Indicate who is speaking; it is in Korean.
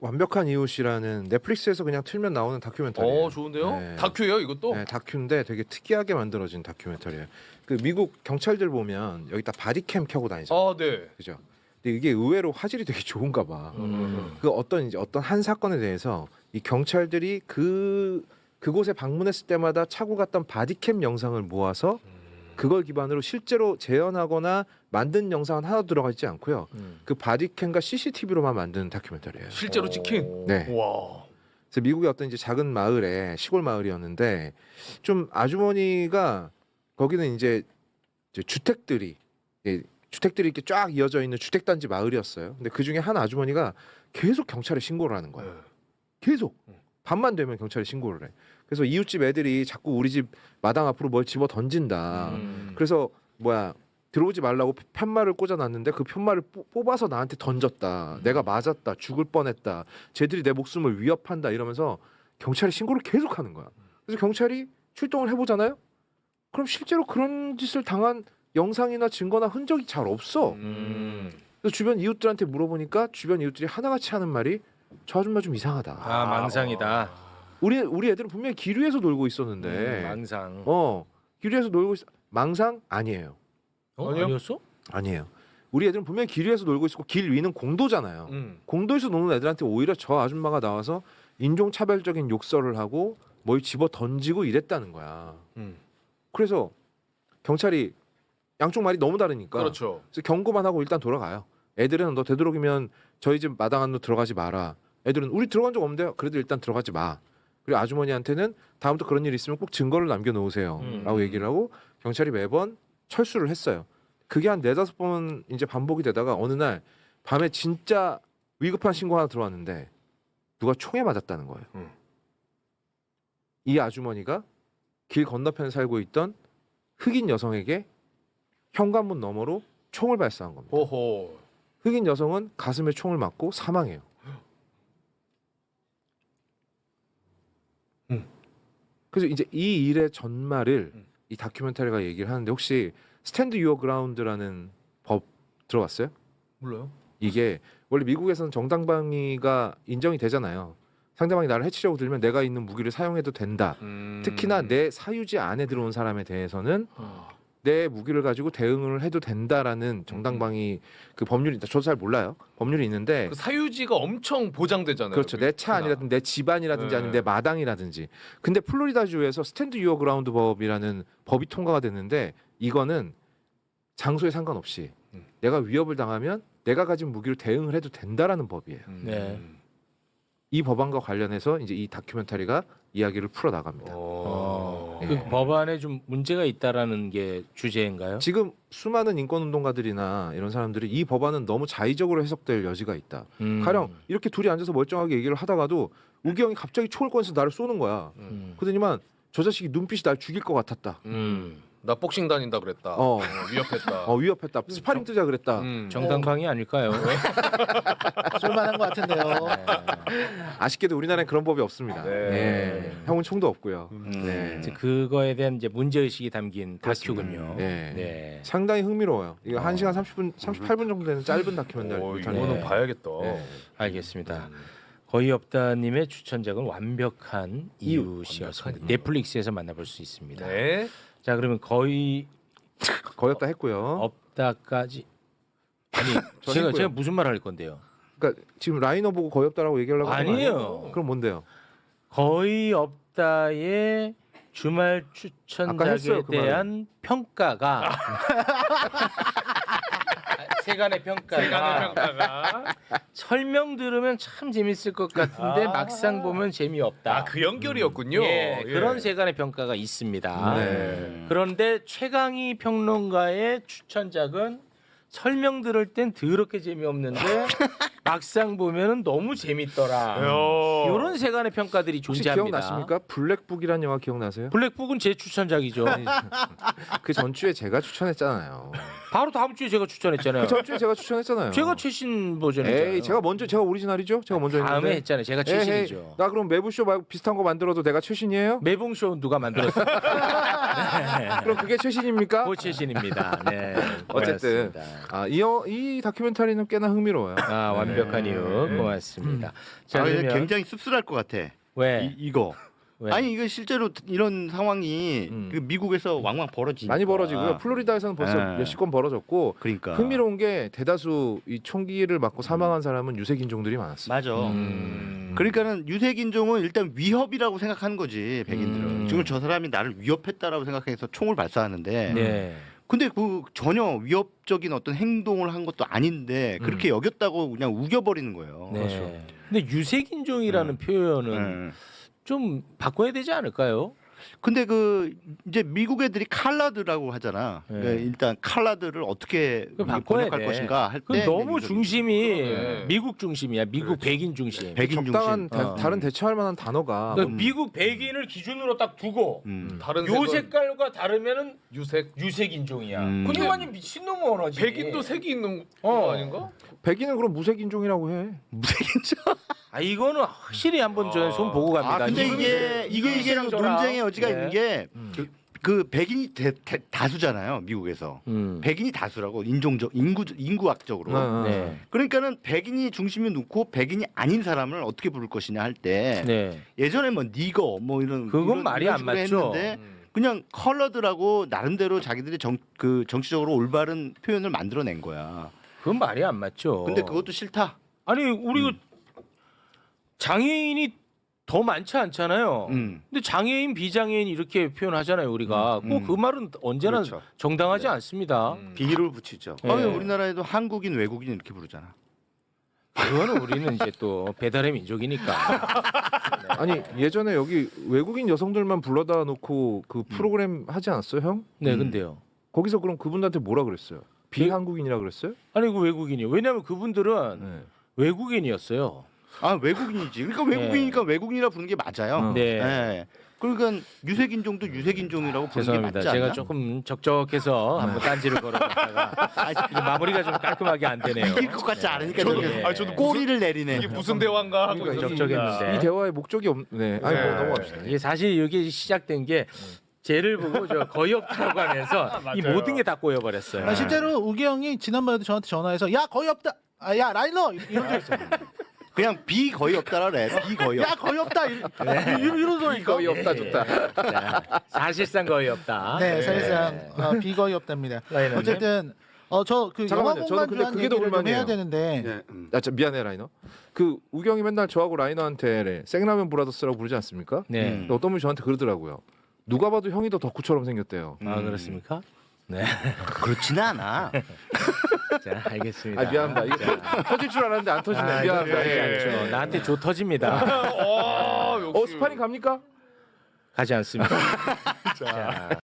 Speaker 1: 완벽한 이웃이라는 넷플릭스에서 그냥 틀면 나오는 다큐멘터리예요.
Speaker 2: 좋은데요?
Speaker 1: 네.
Speaker 2: 다큐예요, 이것도?
Speaker 1: 네, 다큐인데 되게 특이하게 만들어진 다큐멘터리예요. 그 미국 경찰들 보면 여기다 바디캠 켜고 다니잖아요.
Speaker 2: 네.
Speaker 1: 그죠? 근데 이게 의외로 화질이 되게 좋은가 봐. 그 어떤 한 사건에 대해서 이 경찰들이 그곳에 방문했을 때마다 차고 갔던 바디캠 영상을 모아서 그걸 기반으로 실제로 재현하거나 만든 영상은 하나도 들어가 있지 않고요. 그 바디캠과 CCTV로만 만든 다큐멘터리예요.
Speaker 2: 실제로 찍힌.
Speaker 1: 네.
Speaker 2: 와.
Speaker 1: 그래서 미국의 어떤 이제 작은 마을에 시골 마을이었는데 좀 아주머니가 거기는 이제 주택들이 이렇게 쫙 이어져 있는 주택단지 마을이었어요. 근데 그 중에 한 아주머니가 계속 경찰에 신고를 하는 거예요. 계속 밤만 되면 경찰에 신고를 해. 그래서 이웃집 애들이 자꾸 우리 집 마당 앞으로 뭘 집어 던진다. 그래서 들어오지 말라고 편말을 꽂아놨는데 그 편말을 뽑아서 나한테 던졌다. 내가 맞았다. 죽을 뻔했다. 쟤들이 내 목숨을 위협한다. 이러면서 경찰에 신고를 계속하는 거야. 그래서 경찰이 출동을 해보잖아요. 그럼 실제로 그런 짓을 당한 영상이나 증거나 흔적이 잘 없어. 그래서 주변 이웃들한테 물어보니까 주변 이웃들이 하나같이 하는 말이 저 아줌마 좀 이상하다.
Speaker 3: 망상이다.
Speaker 1: 우리 애들은 분명히 길 위에서 놀고 있었는데
Speaker 3: 망상.
Speaker 1: 길 위에서 놀고 망상 아니에요.
Speaker 2: 아니요?
Speaker 3: 아니었어?
Speaker 1: 아니에요. 우리 애들은 분명히 길 위에서 놀고 있었고 길 위는 공도잖아요. 공도에서 노는 애들한테 오히려 저 아줌마가 나와서 인종차별적인 욕설을 하고 뭘 집어 던지고 이랬다는 거야. 그래서 경찰이 양쪽 말이 너무 다르니까
Speaker 2: 그렇죠.
Speaker 1: 그래서 경고만 하고 일단 돌아가요. 애들은 너 되도록이면 저희 집 마당 안으로 들어가지 마라. 애들은 우리 들어간 적 없는데 그래도 일단 들어가지 마. 그리고 아주머니한테는 다음부터 그런 일 있으면 꼭 증거를 남겨놓으세요. 라고 얘기를 하고 경찰이 매번 철수를 했어요. 그게 한 4-5번 이제 반복이 되다가 어느 날 밤에 진짜 위급한 신고 하나 들어왔는데 누가 총에 맞았다는 거예요. 이 아주머니가 길 건너편에 살고 있던 흑인 여성에게 현관문 너머로 총을 발사한 겁니다.
Speaker 2: 호호.
Speaker 1: 흑인 여성은 가슴에 총을 맞고 사망해요. 그래서 이제 이 일의 전말을 이 다큐멘터리가 얘기를 하는데 혹시 스탠드 유어 그라운드라는 법 들어봤어요?
Speaker 2: 몰라요?
Speaker 1: 이게 원래 미국에서는 정당방위가 인정이 되잖아요. 상대방이 나를 해치려고 들면 내가 있는 무기를 사용해도 된다. 특히나 내 사유지 안에 들어온 사람에 대해서는 내 무기를 가지고 대응을 해도 된다라는 정당방위 그 법률이 있다. 저도 잘 몰라요. 법률이 있는데
Speaker 2: 그 사유지가 엄청 보장되잖아요.
Speaker 1: 그렇죠. 내 차 아니라든지 내 집안이라든지
Speaker 2: 네.
Speaker 1: 아니면 내 마당이라든지. 근데 플로리다주에서 스탠드 유어 그라운드 법이라는 법이 통과가 됐는데 이거는 장소에 상관없이 내가 위협을 당하면 내가 가진 무기로 대응을 해도 된다라는 법이에요.
Speaker 3: 네.
Speaker 1: 이 법안과 관련해서 이제 이 다큐멘터리가 이야기를 풀어 나갑니다.
Speaker 3: 그 법안에 좀 문제가 있다라는 게 주제인가요?
Speaker 1: 지금 수많은 인권운동가들이나 이런 사람들이 이 법안은 너무 자의적으로 해석될 여지가 있다. 가령 이렇게 둘이 앉아서 멀쩡하게 얘기를 하다가도 우기 형이 갑자기 총을 꺼내서 나를 쏘는 거야. 그러더니만 저 자식이 눈빛이 날 죽일 것 같았다.
Speaker 2: 나 복싱 다닌다 그랬다. 위협했다.
Speaker 1: 위협했다. 스파링 뜨자 그랬다.
Speaker 3: 정당방위 아닐까요?
Speaker 4: 쓸만한 것 같은데요.
Speaker 1: 아쉽게도 우리나라엔 그런 법이 없습니다.
Speaker 2: 네.
Speaker 1: 형은 총도 없고요. 네.
Speaker 3: 이제 그거에 대한 이제 문제 의식이 담긴
Speaker 1: 그렇습니다.
Speaker 3: 다큐군요.
Speaker 1: 네.
Speaker 3: 네.
Speaker 1: 상당히 흥미로워요. 이거 1시간 38분 정도 되는 짧은 다큐멘터리.
Speaker 2: 이거는
Speaker 3: 네.
Speaker 2: 봐야겠다.
Speaker 1: 네.
Speaker 3: 알겠습니다. 거의 없다님의 추천작은 완벽한 이웃이었습니다. 넷플릭스에서 만나볼 수 있습니다.
Speaker 2: 네.
Speaker 3: 자, 그러면 거의
Speaker 1: 거의 없다 했고요.
Speaker 3: 없다까지 아니
Speaker 1: 저
Speaker 3: 제가
Speaker 1: 했고요.
Speaker 3: 무슨 말 할 건데요?
Speaker 1: 그러니까 지금 라이너 보고 거의 없다라고 얘기하려고 하는 거
Speaker 3: 아니에요.
Speaker 1: 그럼 뭔데요?
Speaker 3: 거의 없다의 주말
Speaker 1: 아까
Speaker 3: 추천작에
Speaker 1: 했어요, 그
Speaker 3: 대한 평가가 세간의 평가가 설명 들으면 참 재밌을 것 같은데 막상 보면 재미없다.
Speaker 2: 그 연결이었군요.
Speaker 3: 예, 그런 세간의 평가가 있습니다.
Speaker 1: 네.
Speaker 3: 그런데 최강희 평론가의 추천작은 설명 들을 땐 더럽게 재미없는데 막상 보면은 너무 재밌더라. 이런 세간의 평가들이
Speaker 1: 혹시
Speaker 3: 존재합니다.
Speaker 1: 기억나십니까? 블랙북이라는 영화 기억나세요?
Speaker 3: 블랙북은 제 추천작이죠.
Speaker 1: 그 전주에 제가 추천했잖아요.
Speaker 3: 바로 다음 주에 제가 추천했잖아요.
Speaker 1: 그 전주에 제가 추천했잖아요.
Speaker 3: 제가 최신 버전이잖아요.
Speaker 1: 에이, 제가 오리지널이죠? 제가 먼저
Speaker 3: 다음에
Speaker 1: 했는데.
Speaker 3: 했잖아요. 제가
Speaker 1: 에헤이,
Speaker 3: 최신이죠.
Speaker 1: 나 그럼 매부쇼 말고 비슷한 거 만들어도 내가 최신이에요?
Speaker 3: 매봉쇼 누가 만들었어요?
Speaker 1: 그럼 그게 최신입니까?
Speaker 3: 그 최신입니다. 네.
Speaker 1: 어쨌든
Speaker 3: 고맙습니다.
Speaker 1: 이 다큐멘터리는 꽤나 흥미로워요.
Speaker 3: 아 완벽한 이유 고맙습니다. 자
Speaker 5: 근데
Speaker 3: 그러면
Speaker 5: 굉장히 씁쓸할 것 같아.
Speaker 3: 왜?
Speaker 5: 이거.
Speaker 3: 왜?
Speaker 5: 아니 이거 실제로 이런 상황이 그 미국에서 왕왕 벌어지니까.
Speaker 1: 많이 벌어지고요. 플로리다에서는 벌써
Speaker 5: 네.
Speaker 1: 몇십 건 벌어졌고
Speaker 5: 그러니까.
Speaker 1: 흥미로운 게 대다수 이 총기를 맞고 사망한 사람은 유색 인종들이 많았어요.
Speaker 5: 맞아.
Speaker 3: 음.
Speaker 5: 그러니까는 유색 인종은 일단 위협이라고 생각하는 거지 백인들은. 지금 저 사람이 나를 위협했다라고 생각해서 총을 발사하는데.
Speaker 3: 네.
Speaker 5: 근데 그 전혀 위협적인 어떤 행동을 한 것도 아닌데 그렇게 여겼다고 그냥 우겨버리는 거예요.
Speaker 3: 네. 근데 유색인종이라는 표현은
Speaker 5: 네.
Speaker 3: 좀 바꿔야 되지 않을까요?
Speaker 5: 근데 그 이제 미국 애들이 칼라드라고 하잖아.
Speaker 3: 네.
Speaker 5: 그러니까 일단 칼라드를 어떻게
Speaker 3: 그거 바꿔야
Speaker 5: 번역할
Speaker 3: 돼.
Speaker 5: 것인가 할
Speaker 3: 그
Speaker 5: 때
Speaker 3: 너무 중심이
Speaker 2: 네.
Speaker 3: 미국 중심이야. 미국 백인 중심.
Speaker 5: 백인
Speaker 1: 적당한
Speaker 5: 중심.
Speaker 1: 다른 대처할 만한 단어가
Speaker 3: 그러니까 미국 백인을 기준으로 딱 두고
Speaker 2: 다른
Speaker 3: 요
Speaker 2: 색은
Speaker 3: 색깔과 다르면은
Speaker 2: 유색.
Speaker 3: 유색인종이야.
Speaker 5: 음.
Speaker 3: 근데
Speaker 2: 근데
Speaker 3: 완전 미친놈 언어지.
Speaker 2: 백인도 색이 있는
Speaker 3: 어.
Speaker 2: 거 아닌가?
Speaker 1: 백인은 그럼 무색 인종이라고 해.
Speaker 3: 아 이거는 확실히 한번 저는 손 보고 갑니다.
Speaker 5: 아 근데 이게
Speaker 3: 이분이랑 저랑.
Speaker 5: 논쟁의 여지가
Speaker 3: 네.
Speaker 5: 있는 게 그 백인이 다수잖아요 미국에서. 백인이 다수라고 인구학적으로.
Speaker 3: 네.
Speaker 5: 그러니까는 백인이 중심에 놓고 백인이 아닌 사람을 어떻게 부를 것이냐 할 때
Speaker 3: 네.
Speaker 5: 예전에 뭐 니거 뭐 이런
Speaker 3: 그건 말이 안
Speaker 5: 식으로
Speaker 3: 맞죠.
Speaker 5: 했는데 그냥 컬러드라고 나름대로 자기들이 정치적으로 올바른 표현을 만들어낸 거야.
Speaker 3: 그건 말이 안 맞죠.
Speaker 5: 근데 그것도 싫다.
Speaker 3: 아니 우리 장애인이 더 많지 않잖아요. 근데 장애인, 비장애인 이렇게 표현하잖아요. 우리가 꼭 그 말은 언제나
Speaker 5: 그렇죠.
Speaker 3: 정당하지 않습니다.
Speaker 5: 비를 붙이죠.
Speaker 3: 네.
Speaker 5: 우리나라에도 한국인, 외국인 이렇게 부르잖아.
Speaker 3: 그거는 우리는 이제 또 배달의 민족이니까.
Speaker 1: 아니 예전에 여기 외국인 여성들만 불러다 놓고 그 프로그램 하지 않았어요, 형?
Speaker 3: 네, 근데요.
Speaker 1: 거기서 그럼 그분들한테 뭐라 그랬어요? 비한국인이라 그랬어요?
Speaker 3: 아니 그 외국인이요. 왜냐하면 그분들은
Speaker 1: 네.
Speaker 3: 외국인이었어요.
Speaker 5: 아 외국인이지. 그러니까 외국인이니까 외국인이라 부르는 게 맞아요.
Speaker 3: 네.
Speaker 5: 네. 그러니까 유색인종도 유색인종이라고 부르는 게
Speaker 3: 죄송합니다.
Speaker 5: 맞지 않나?
Speaker 3: 제가 조금 적적해서 한번 딴지를 걸어봤다가 이게 마무리가 좀 깔끔하게 안 되네요.
Speaker 5: 이길 것 같지 않으니까
Speaker 3: 저도-
Speaker 5: 저렇게
Speaker 3: 아,
Speaker 2: 저도
Speaker 5: 꼬리를 내리네.
Speaker 2: 이게 무슨 대화인가 하고
Speaker 1: 그러니까
Speaker 2: 있었습니다.
Speaker 3: 적적했는데.
Speaker 1: 이 대화의 목적이 없네. 아니 뭐
Speaker 2: 네.
Speaker 1: 넘어갑시다.
Speaker 3: 이게 사실 이게 시작된 게 쟤를 보고 저 거의 없다고 하면서 이
Speaker 2: 맞아요.
Speaker 3: 모든 게 다 꼬여버렸어요.
Speaker 4: 아, 실제로 우기 형이 지난번에도 저한테 전화해서 야 거의 없다. 아, 야 라이너 이런 적 있어.
Speaker 5: 그냥 비 거의 없다라 그래. 비 거의 없.
Speaker 4: 야 거의 없다. 이런 소리니까.
Speaker 1: 거의 없다 좋다.
Speaker 3: 자, 사실상 거의 없다.
Speaker 4: 네, 사실상 비 거의 없답니다.
Speaker 3: 라이너님.
Speaker 4: 어쨌든 저 그 영화
Speaker 1: 잠깐만요. 저는 근데
Speaker 4: 공간
Speaker 1: 그게 더
Speaker 4: 얘기를 좀
Speaker 1: 불만이에요.
Speaker 4: 해야 되는데
Speaker 5: 네.
Speaker 1: 아, 미안해 라이너. 그 우경이 맨날 저하고 라이너한테 생라면 브라더스라고 부르지 않습니까?
Speaker 3: 네.
Speaker 1: 근데 어떤 분이 저한테 그러더라고요. 누가 봐도 형이 더 덕후처럼 생겼대요.
Speaker 3: 아 그렇습니까? 네.
Speaker 5: 그렇지는 않아.
Speaker 3: 자 알겠습니다.
Speaker 1: 아 미안합니다. 이거 터질 줄 알았는데 안 터지네.
Speaker 3: 아,
Speaker 1: 미안합니다.
Speaker 3: 그러지
Speaker 1: 예.
Speaker 3: 않죠. 나한테 조 터집니다.
Speaker 2: 역시.
Speaker 1: 스파링 갑니까?
Speaker 3: 가지 않습니다. 자,